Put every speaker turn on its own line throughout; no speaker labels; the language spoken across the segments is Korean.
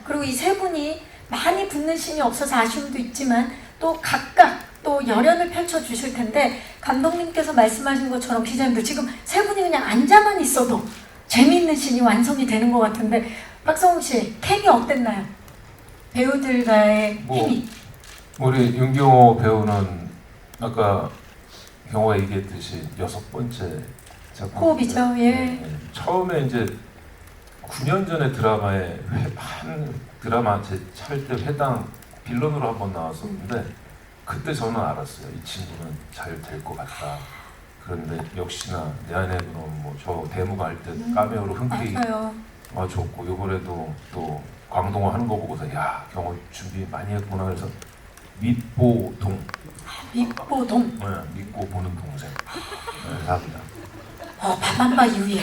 그리고 이 세 분이 많이 붙는 신이 없어서 아쉬움도 있지만 또 각각 또 열연을 펼쳐주실 텐데 감독님께서 말씀하신 것처럼 기자님들 지금 세 분이 그냥 앉아만 있어도 재미있는 신이 완성이 되는 것 같은데 박성웅 씨 케미 어땠나요? 배우들과의 케미.
우리 윤경호 배우는 아까 경호가 얘기했듯이 6번째 작품.
호흡이죠. 예.
네. 처음에 이제 9년 전에 드라마에 한 드라마 할 때 회당 빌런으로 한번 나왔었는데 그때 저는 알았어요. 이 친구는 잘 될 것 같다. 그런데 역시나 내 안에 그런 저 대무가 할 때 까메오로 흔쾌히 좋고 이번에도 또 광동어 하는 거 보고서 야 경호 준비 많이 했구나 그래서 밑보동.
밑보동.
네, 믿고 보는 동생. 네, 감사합니다.
밥한바 이후에.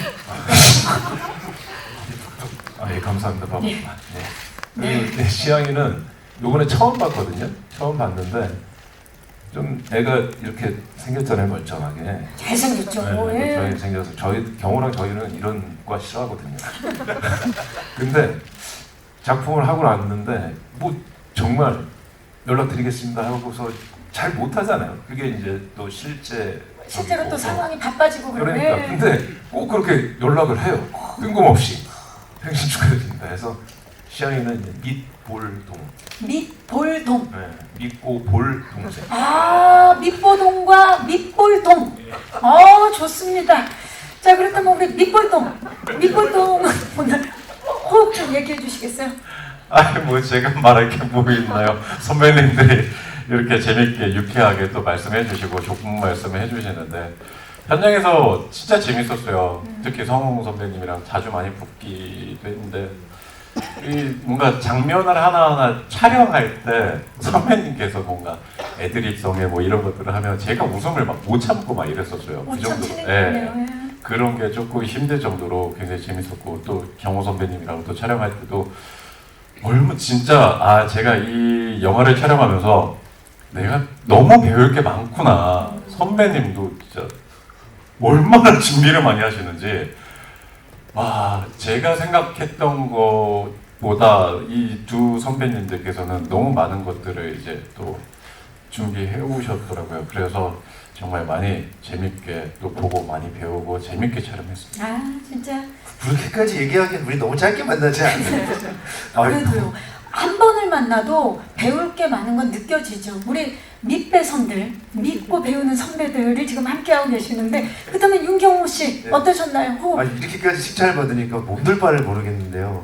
예, 감사합니다. 밥한바.
네.
네. 네. 시향이는 요번에 처음 봤거든요. 처음 봤는데 좀 애가 이렇게 생겼잖아요, 멀쩡하게.
잘생겼죠.
네, 저희 생겨서 경호랑 저희는 이런 과 싫어하거든요. 근데 작품을 하고 났는데 정말 연락드리겠습니다 하고서 잘 못하잖아요. 그게 이제 또
실제로 또 상황이 바빠지고
그러니까 근데 꼭 그렇게 연락을 해요. 뜬금없이 생신 축하드립니다 해서 시향이는 이제 밑볼동.
밑볼동.
네, 믿고 볼 동생.
밑보동과 밑볼동. 좋습니다. 자, 그렇다면 우리 밑볼동 오늘 호흡 좀 얘기해 주시겠어요?
제가 말할 게 뭐 있나요? 선배님들이 이렇게 재밌게 유쾌하게 또 말씀해 주시고 좋은 말씀을 해주시는데 현장에서 진짜 재밌었어요. 특히 성웅 선배님이랑 자주 많이 붙기도 했는데 뭔가 장면을 하나하나 촬영할 때 선배님께서 뭔가 애드립성에 이런 것들을 하면 제가 웃음을 막 못 참고 막 이랬었어요. 그 정도로. 네. 그런 게 조금 힘들 정도로 굉장히 재밌었고 또 경호 선배님이랑 또 촬영할 때도 진짜 제가 이 영화를 촬영하면서 내가 너무 배울 게 많구나. 선배님도 진짜 얼마나 준비를 많이 하시는지 제가 생각했던 것보다 이 두 선배님들께서는 너무 많은 것들을 이제 또 준비해 오셨더라고요. 그래서 정말 많이 재밌게 또 보고 많이 배우고 재밌게 촬영했습니다.
진짜
그렇게까지 얘기하기엔 우리 너무 짧게 만나지 않나요?
그래도요. 한 번을 만나도 배울 게 많은 건 느껴지죠. 우리 밑배선들, 믿고 배우는 선배들이 지금 함께하고 계시는데 그렇다면 윤경호 씨
네.
어떠셨나요? 호흡.
이렇게까지 칭찬을 받으니까 몸둘 바를 모르겠는데요.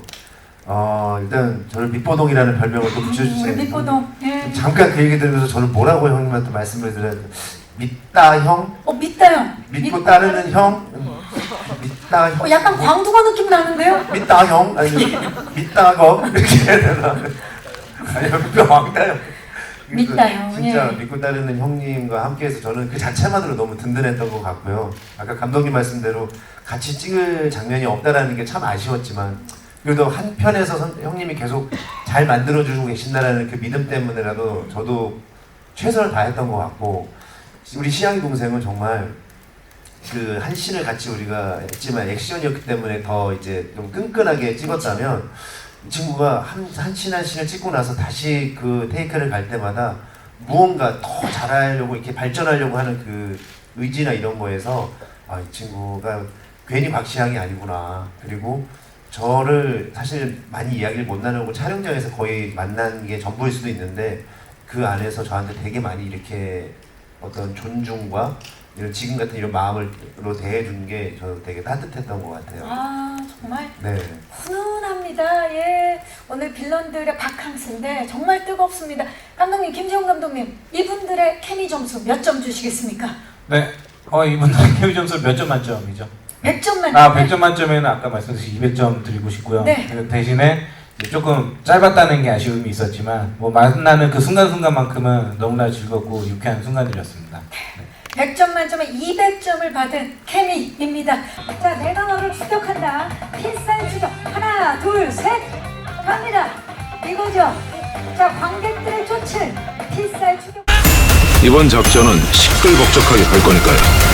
일단 저를 밑보동이라는 별명을 또 붙여주세요.
우리 밑보동. 예.
잠깐 그 얘기 들으면서 저는 뭐라고 형님한테 말씀을 드려야 돼요? 믿다 형?
믿다 형.
믿고 따르는 형? 믿다 형?
약간 광둥어 느낌 나는데요?
믿다 형? 아니 믿다거? 이렇게 해야 되나? 아니요, 왕다 형.
믿다 형.
진짜
예.
믿고 따르는 형님과 함께해서 저는 그 자체만으로 너무 든든했던 것 같고요. 아까 감독님 말씀대로 같이 찍을 장면이 없다라는 게 참 아쉬웠지만 그래도 한편에서 형님이 계속 잘 만들어주고 계신다라는 그 믿음 때문에라도 저도 최선을 다했던 것 같고 우리 시향이 동생은 정말 그 한 씬을 같이 우리가 했지만 액션이었기 때문에 더 이제 좀 끈끈하게 찍었다면 이 친구가 한 씬을 찍고 나서 다시 그 테이크를 갈 때마다 무언가 더 잘하려고 이렇게 발전하려고 하는 그 의지나 이런 거에서 이 친구가 괜히 박시향이 아니구나. 그리고 저를 사실 많이 이야기를 못 나누고 촬영장에서 거의 만난 게 전부일 수도 있는데 그 안에서 저한테 되게 많이 이렇게 어떤 존중과 이런 지금 같은 이런 마음으로 대해준 게 저는 되게 따뜻했던 것 같아요.
정말
네.
훈훈합니다. 예. 오늘 빌런들의 바캉스인데 정말 뜨겁습니다. 감독님, 김지용 감독님, 이분들의 케미 점수 몇 점 주시겠습니까?
네. 이분들 케미 점수 몇 점 만점이죠?
100점 만점.
100점 만점에는 아까 말씀드린 200점 드리고 싶고요.
네.
대신에 조금 짧았다는 게 아쉬움이 있었지만 만나는 그 순간순간만큼은 너무나 즐겁고 유쾌한 순간들이었습니다. 네.
100점 만점에 200점을 받은 케미입니다. 자, 내가 너를 추격한다. 핀사인 추격. 하나, 둘, 셋. 갑니다. 이거죠. 자, 관객들의 조치. 핀사인 추격.
이번 작전은 시끌벅적하게 갈 거니까요.